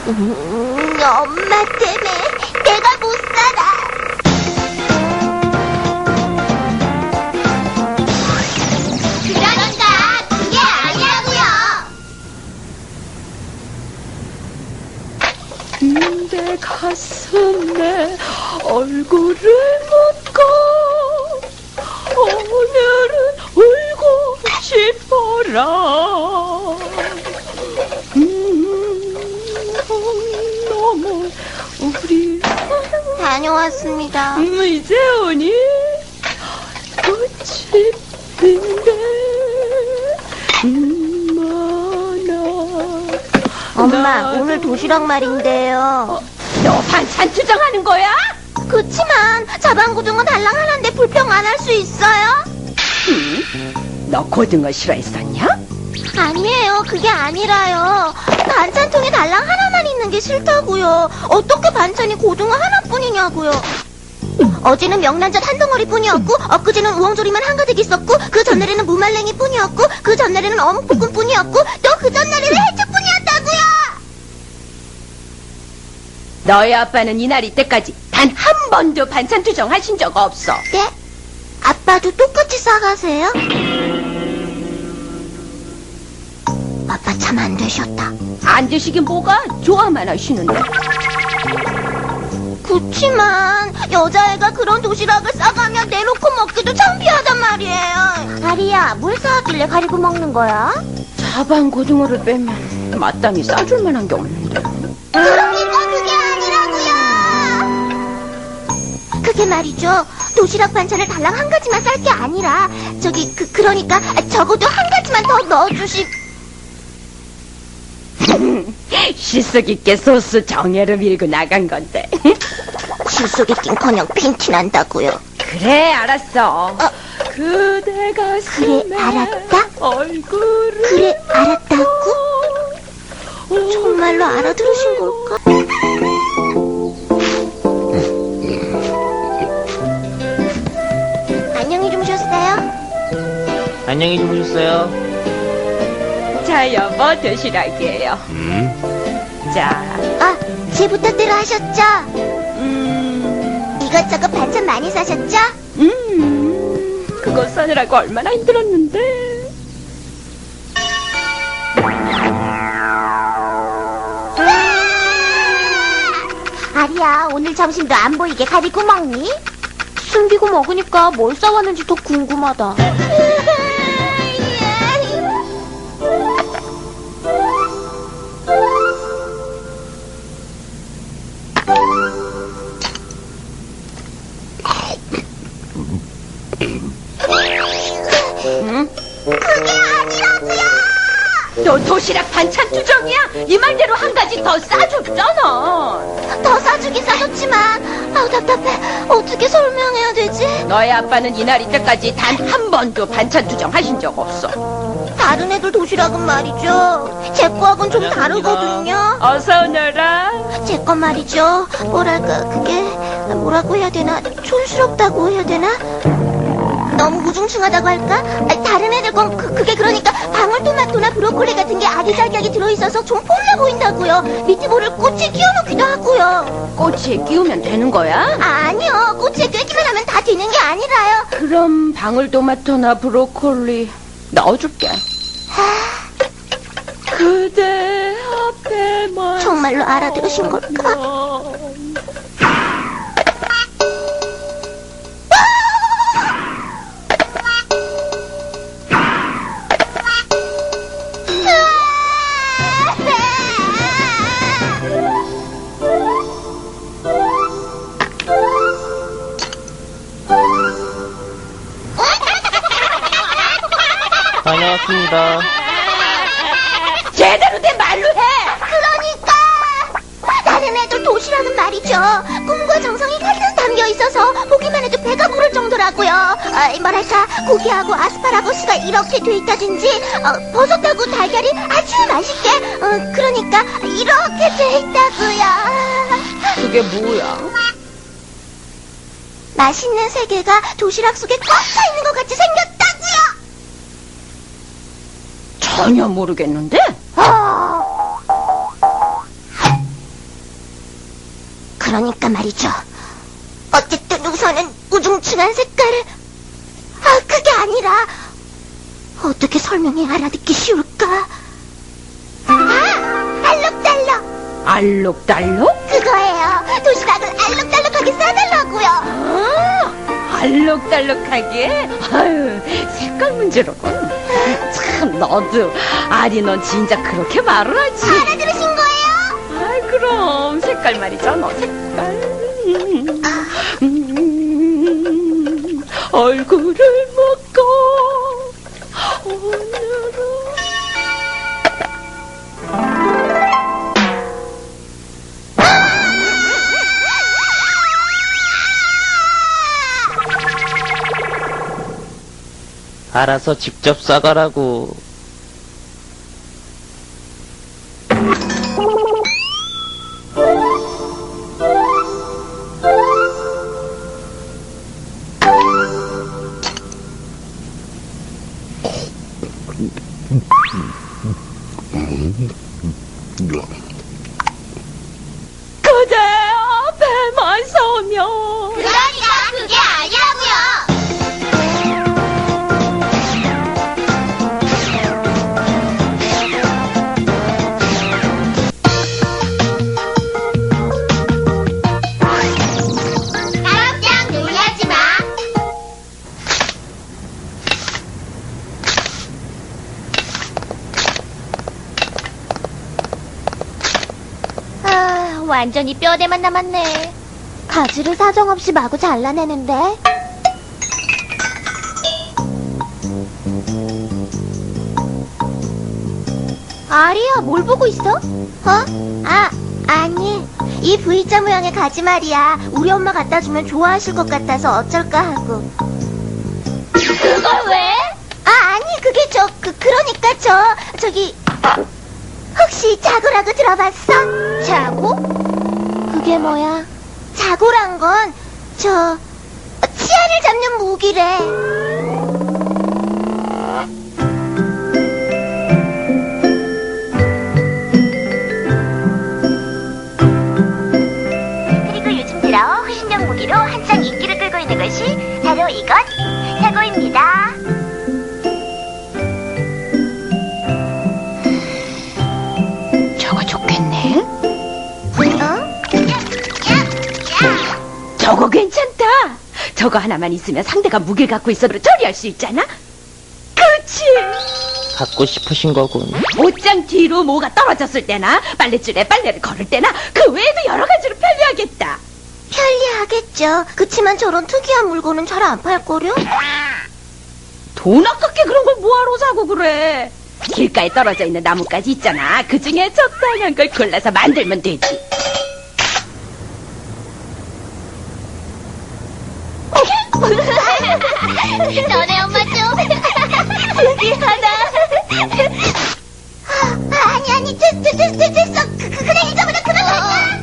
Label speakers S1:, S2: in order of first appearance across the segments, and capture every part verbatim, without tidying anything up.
S1: 음, 엄마 때문에 내가 못 살아. 그러니까 그게 아니라고요.
S2: 내 가슴에 얼굴을 묻고 오늘은 울고 싶어라. 음, 너무 우리
S1: 다녀왔습니다.
S2: 음, 이제 오니 꽃이 핀데 음, 많아.
S1: 엄마, 오늘 도시락 말인데요.
S2: 너 반찬 투정하는 거야?
S1: 그치만 자반고등어 달랑 하나인데 불평 안 할 수 있어요?
S2: 응? 너 고등어 싫어했었냐?
S1: 아니에요. 그게 아니라요. 반찬통에 달랑 하나만 있는 게 싫다고요. 어떻게 반찬이 고등어 하나뿐이냐고요. 어제는 명란젓 한 덩어리뿐이었고 엊그제는 우엉조림만 한가득 있었고 그 전날에는 무말랭이뿐이었고 그 전날에는 어묵볶음뿐이었고 또 그 전날에는 해초뿐이었다고요.
S2: 너희 아빠는 이날 이때까지 단 한 번도 반찬 투정하신 적 없어.
S1: 네? 아빠도 똑같이 싸가세요? 아빠 참 안 되셨다.
S2: 안 드시긴 뭐가 좋아만 하시는데.
S1: 그치만 여자애가 그런 도시락을 싸가면 내놓고 먹기도 창피하단 말이에요. 아리야, 뭘 싸왔길래 가리고 먹는 거야?
S2: 자반 고등어를 빼면 마땅히 싸줄 만한 게 없는데.
S1: 그러니까 그게 아니라고요. 그게 말이죠. 도시락 반찬을 달랑 한 가지만 쌀 게 아니라 저기 그 그러니까 적어도 한 가지만 더 넣어주시.
S2: 실속 있게 소스 정예로 밀고 나간 건데.
S1: 실속이 낀커녕 핀티 난다고요.
S2: 그래 알았어.
S1: 어.
S2: 그대 가슴에
S1: 그래, 알았다?
S2: 얼굴을
S1: 그래, 알았다고? 정말로 알아들으신 걸까? 안녕히 주무셨어요?
S3: 안녕히 주무셨어요?
S2: 자 여보 도시락이에요.
S3: 음?
S2: 자
S1: 아, 제 부탁대로 하셨죠?
S2: 음,
S1: 이것저것 반찬 많이 사셨죠?
S2: 음, 그거 싸느라고 얼마나 힘들었는데.
S1: 아리야, 오늘 점심도 안 보이게 가리고 먹니? 숨기고 먹으니까 뭘 싸왔는지 더 궁금하다.
S2: 응?
S1: 그게 아니라고요!
S2: 너 도시락 반찬 투정이야? 네 말대로 한 가지 더 싸줬잖아.
S1: 더 싸주긴 싸줬지만 아우 답답해. 어떻게 설명해야 되지?
S2: 너희 아빠는 이날 이때까지 단 한 번도 반찬 투정 하신 적 없어.
S1: 다른 애들 도시락은 말이죠. 제 거하고는 좀 다르거든요.
S2: 어서 오너라.
S1: 제 건 말이죠. 뭐랄까 그게 뭐라고 해야 되나? 촌스럽다고 해야 되나? 너무 우중충하다고 할까? 아, 다른 애들 건 그, 그게 그러니까 방울토마토나 브로콜리 같은 게 아기자기하게 들어있어서 좀 폴라 보인다고요. 밑에 모를 꽃에 끼워놓기도 하고요.
S2: 꼬치에 끼우면 되는 거야?
S1: 아, 아니요. 꽃에 꿰기만 하면 다 되는 게 아니라요.
S2: 그럼 방울토마토나 브로콜리 넣어줄게. 그대 앞에만
S1: 정말로 알아들으신 걸까?
S3: 다녀왔습니다.
S2: 제대로 된 말로 해.
S1: 그러니까 다른 애들 도시락은 말이죠. 꿈과 정성이 가득 담겨 있어서 보기만 해도 배가 부를 정도라고요. 어, 뭐랄까 고기하고 아스파라거스가 이렇게 돼 있다든지 어, 버섯하고 달걀이 아주 맛있게 어, 그러니까 이렇게 돼 있다고요.
S2: 그게 뭐야?
S1: 맛있는 세계가 도시락 속에 꽉 차 있는 것 같이 생겼다고요.
S2: 전혀 모르겠는데?
S1: 어... 그러니까 말이죠. 어쨌든 우선은 우중충한 색깔을... 아, 그게 아니라 어떻게 설명해 알아듣기 쉬울까? 아! 알록달록!
S2: 알록달록?
S1: 그거예요. 도시락을 알록달록하게 싸달라고요.
S2: 아, 알록달록하게? 아유, 색깔 문제로군. 참, 너도. 아니, 넌 진짜 그렇게 말을 하지.
S1: 알아들으신 거예요?
S2: 아이, 그럼. 색깔 말이잖아, 색깔. 음, 얼굴을 먹고, 오늘은.
S3: 알아서 직접 싸가라고.
S2: 그대여, 배만 서면.
S1: 그러니까 그게 아니라고요. 깜짝 놀라지 마. 아, 완전히 뼈대만 남았네. 가지를 사정없이 마구 잘라내는데. 아리야, 뭘 보고 있어? 어? 아, 아니. 이 V자 모양의 가지 말이야. 우리 엄마 갖다 주면 좋아하실 것 같아서 어쩔까 하고. 그걸 왜? 아, 아니, 그게 저, 그, 그러니까 저, 저기, 혹시 자고라고 들어봤어? 자고? 그게 뭐야? 자고란 건, 저, 치아를 잡는 무기래. 그리고 요즘 들어 후신형 무기로 한창 인기를 끌고 있는 것이 바로 이것, 자고입니다.
S2: 저거 좋겠네.
S1: 어?
S2: 저거 괜찮다. 저거 하나만 있으면 상대가 무기를 갖고 있어도 처리할 수 있잖아. 그렇지.
S3: 갖고 싶으신 거군.
S2: 옷장 뒤로 뭐가 떨어졌을 때나 빨래줄에 빨래를 걸을 때나 그 외에도 여러 가지로 편리하겠다.
S1: 편리하겠죠. 그치만 저런 특이한 물건은 잘 안 팔거려?
S2: 돈 아깝게 그런 걸 뭐하러 사고 그래. 길가에 떨어져 있는 나뭇가지 있잖아. 그 중에 적당한 걸 골라서 만들면 되지.
S1: 너네 엄마 좀 미안하다. 아, 아니 아니 됐, 됐, 됐, 됐, 됐어. 그, 그, 그래 이거보다 그만하자.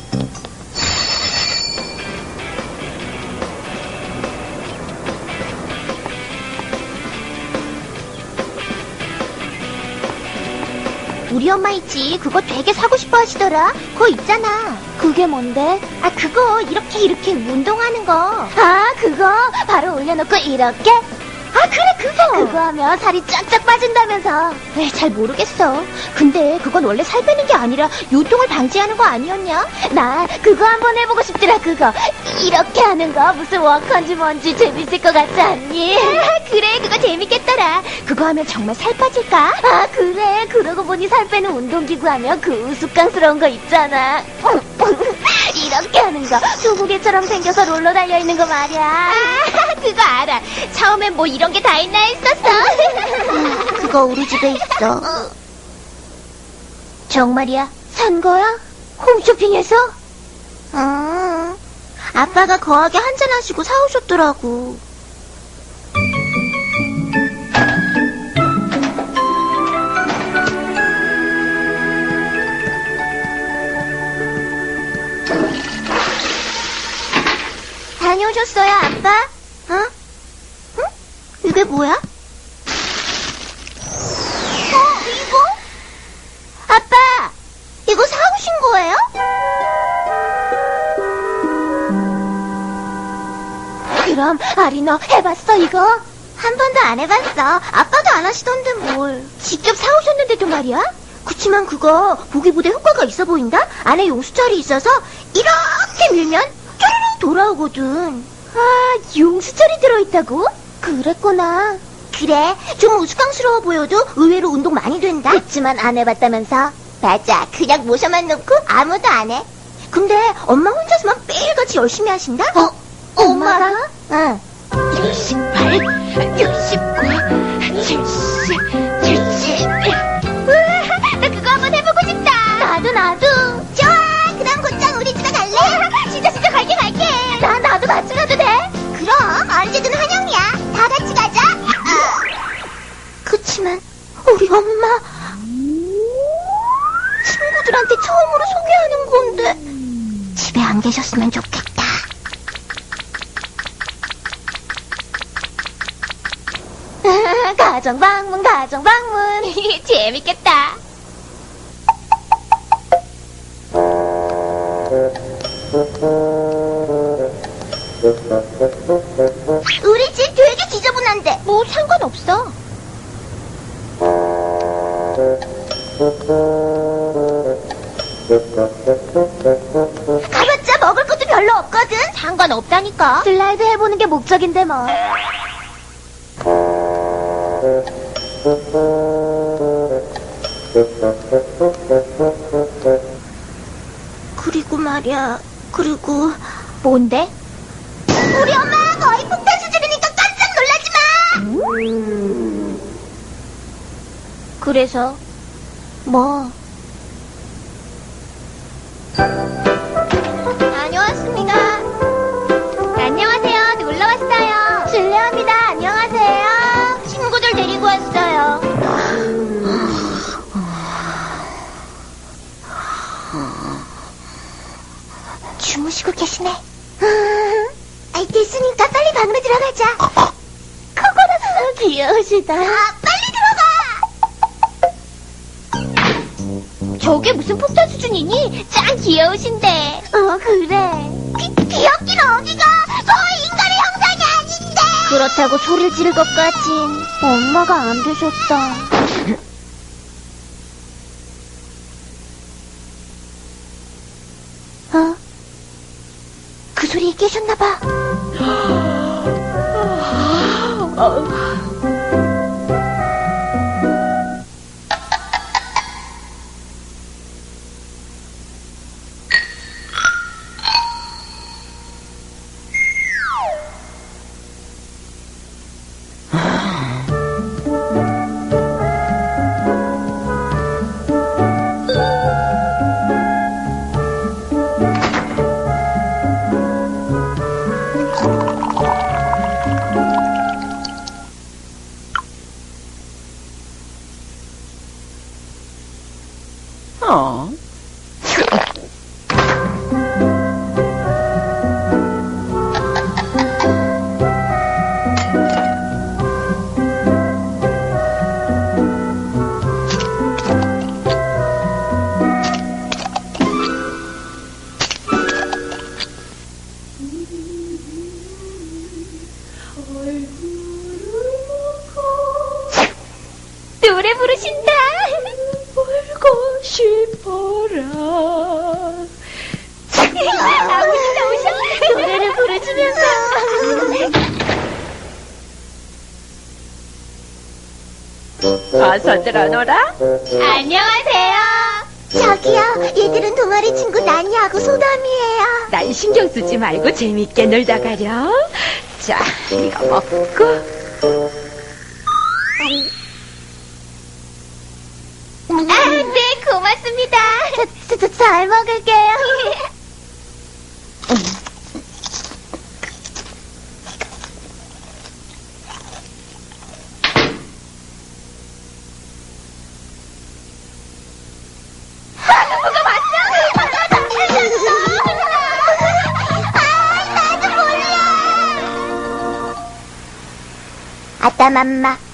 S1: 우리 엄마 있지. 그거 되게 사고 싶어 하시더라. 그거 있잖아. 그게 뭔데? 아, 그거 이렇게 이렇게 운동하는 거. 아, 그거 바로 올려놓고 이렇게? 아, 그래, 그거. 그거 하면 살이 쫙쫙 빠진다면서. 왜, 잘 모르겠어. 근데 그건 원래 살 빼는 게 아니라 요통을 방지하는 거 아니었냐? 나 그거 한번 해보고 싶더라, 그거. 이렇게 하는 거 무슨 워커인지 뭔지 재밌을 것 같지 않니? 아, 그래, 그거 재밌겠더라. 그거 하면 정말 살 빠질까? 아, 그래. 그러고 보니 살 빼는 운동기구 하면 그 우스꽝스러운 거 있잖아. 이렇게 하는 거. 소고개처럼 생겨서 롤러 달려있는 거 말이야. 아, 그거 알아. 처음엔 뭐 이런 게 다 있나 했었어. 그거 우리 집에 있어. 정말이야? 산 거야? 홈쇼핑에서? 응. 아빠가 거하게 한잔하시고 사오셨더라고. 다녀오셨어요, 아빠? 어? 응? 이게 뭐야? 어, 이거? 아빠, 이거 사오신 거예요? 그럼 아리 너 해봤어 이거? 한 번도 안 해봤어. 아빠도 안 하시던데 뭘. 직접 사오셨는데도 말이야? 그치만 그거 보기보다 효과가 있어 보인다? 안에 용수철이 있어서 이렇게 밀면 쭈르륵 돌아오거든. 아, 용수철이 들어있다고? 그랬구나. 그래, 좀 우스꽝스러워 보여도 의외로 운동 많이 된다. 그치만 안 해봤다면서? 맞아, 그냥 모셔만 놓고 아무도 안 해. 근데 엄마 혼자서만 매일같이 열심히 하신다? 어? 엄마가? 응.
S2: 육십팔, 육십구, 칠십, 칠십.
S1: 나 그거 한번 해보고 싶다. 나도 나도. 좋아. 그럼 곧장 우리 집에 갈래? 진짜 진짜 갈게 갈게. 나 나도 같이 가도 돼? 그럼 언제든 환영이야. 다 같이 가자. 어. 그치만 우리 엄마 친구들한테 처음으로 소개하는 건데 집에 안 계셨으면 좋겠다. 가정 방문 가정 방문 재밌겠다. 우리 집 되게 지저분한데 뭐 상관없어. 가봤자 먹을 것도 별로 없거든. 상관없다니까. 슬라이드 해보는 게 목적인데 뭐. 그리고 말이야. 그리고 뭔데? 우리 엄마 거의 폭탄 수준이니까 깜짝 놀라지 마. 음... 그래서 뭐? 다녀왔습니다. 안녕하세요. 놀러 왔어요. 실례합니다. 안녕하세요. 친구들 데리고 왔어요. 주무시고 계시네. 아이, 됐으니까 빨리 방으로 들어가자. 코코넛 귀여우시다. 아, 빨리 들어가. 저게 무슨 폭탄 수준이니? 짱 귀여우신데. 어, 그래. 귀, 귀엽긴 어디가. 거의 인간의 형상이 아닌데. 그렇다고 소리를 지를 것 같진. 엄마가 안 되셨다. 어? 그 소리에 깨셨나봐.
S2: 어.
S1: 노래 부르신다.
S2: 울고 싶어라.
S1: 아버지 나오셔. 노래를 부르시면서.
S2: 어서 들어노라.
S1: 안녕하세요. 저기요, 얘들은 동아리 친구 난이하고 소담이에요.
S2: 난 신경 쓰지 말고 재밌게 놀다 가렴. 자, 이거 먹고.
S1: 아, 네, 고맙습니다. 저, 저, 저, 잘 먹을게요. 누가 봤어? 아, 나도 몰라. 아따 맘마.